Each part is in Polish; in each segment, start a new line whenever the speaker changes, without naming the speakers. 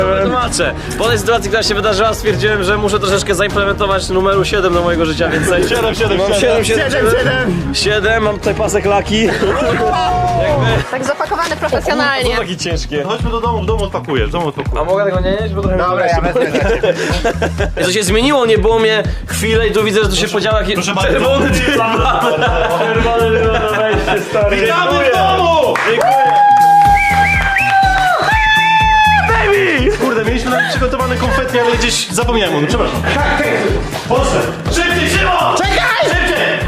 Tłumaczę. Po tej sytuacji, która się wydarzyła, stwierdziłem, że muszę troszeczkę zaimplementować numeru 7 do mojego życia więcej. 7, mam tutaj pasek laki.
Tak zapakowany profesjonalnie.
Taki ciężkie.
Chodźmy do domu, w domu odpakujesz,
A mogę tego nie jeść? Bo trochę
Dobra, ja wezmę dla ciebie.
To się zmieniło, nie było mnie chwilę i tu widzę, że tu się podział jakiś...
Proszę bardzo.
Czerwony dywan! Czerwony dywan na wejście, stary.
Witamy w domu! Baby! Kurde, mieliśmy nawet przygotowane konfetti, ale gdzieś zapomniałem o tym, przepraszam. Poszedł! Szybciej, Szymon! Czekaj! Szybciej!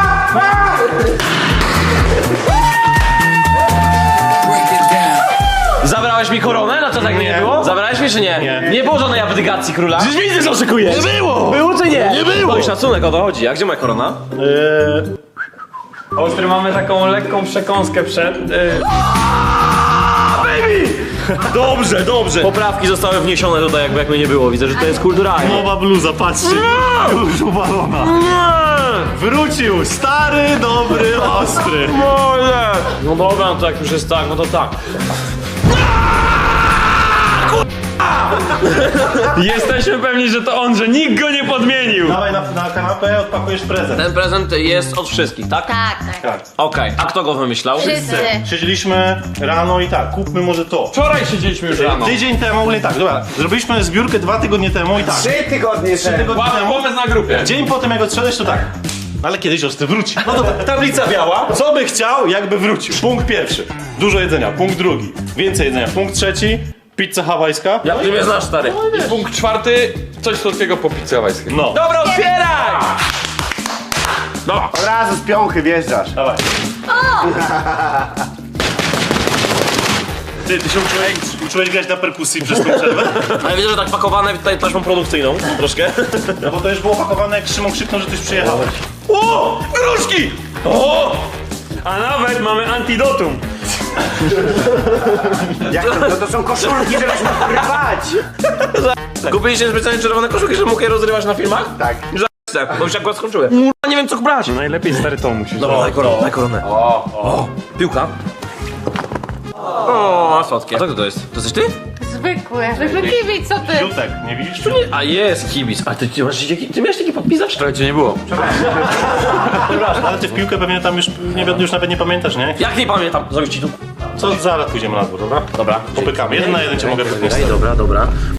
Zabrałeś mi koronę? No to tak nie było? Zabrałeś mi czy nie?
Nie.
Nie było żadnej abdykacji króla? Przecież widzę, że oszukujesz!
Nie było!
Było czy nie?
Nie było!
No i szacunek, o to chodzi. A gdzie moja korona?
Ostry, mamy taką lekką przekąskę przed...
Dobrze, dobrze. Poprawki zostały wniesione tutaj, jakby jak mnie nie było. Widzę, że to jest kulturalnie.
Nowa bluza, patrzcie. Już uwalona. Wrócił, stary, dobry, ostry.
No dobra, no to jak już jest tak, no to tak.
Jesteśmy pewni, że to on, że nikt go nie podmienił.
Dawaj na kanapę, odpakujesz prezent.
Ten prezent jest od wszystkich, tak?
Tak, tak.
Tak.
Okej, a kto go wymyślał?
Wszyscy.
Siedzieliśmy rano i tak, kupmy może to.
Wczoraj siedzieliśmy już rano.
Tydzień temu, nie tak, dobra, zrobiliśmy zbiórkę 2 tygodnie temu i tak.
3 tygodnie temu.
Łap pomysł na grupie.
Dzień po tym jak odszedłeś to tak. Ale kiedyś ostry wróci. No dobra, tablica biała. Co by chciał, jakby wrócił? Punkt pierwszy. Dużo jedzenia. Punkt drugi. Więcej jedzenia. Punkt trzeci. Pizza hawajska.
Ja ty mnie znasz, stary.
I punkt czwarty, coś słodkiego po pizzy hawajskiej.
No.
Dobra, otwieraj!
Od razu z piąchy wjeżdżasz.
Dawaj. Ty się uczyłeś grać na perkusji przez tą przerwę?
Ale widzę, że tak pakowane tutaj taśmą produkcyjną troszkę.
No bo to już było pakowane, jak Szymon krzyknął, że tyś przyjechałeś.
O! Gruszki! O!
A nawet mamy antidotum.
Jak to są koszulki, żebyś mógł rwać.
Kupiliście specjalnie czerwone koszulki, że mógł je rozrywać na filmach?
Tak.
Bo już akurat skończyłem. Nie wiem co brać.
Najlepiej stary to musisz.
Dobra, daj koronę, daj koronę. O, piłka. O, słodkie. A co to jest? To jesteś ty?
Zwykły kibic, co ty?
Jutek, nie widzisz?
A jest kibic. A ty miałeś taki podpis zawsze?
Wczoraj cię nie było.
Ale ty w piłkę pewnie tam już nawet nie pamiętasz, nie?
Jak nie pamiętam? Zrobić ci tu.
Co zaraz pójdziemy na dwór, dobra?
Dobra.
Popykamy. 1 na 1 cię mogę wypuścić.
Dobra.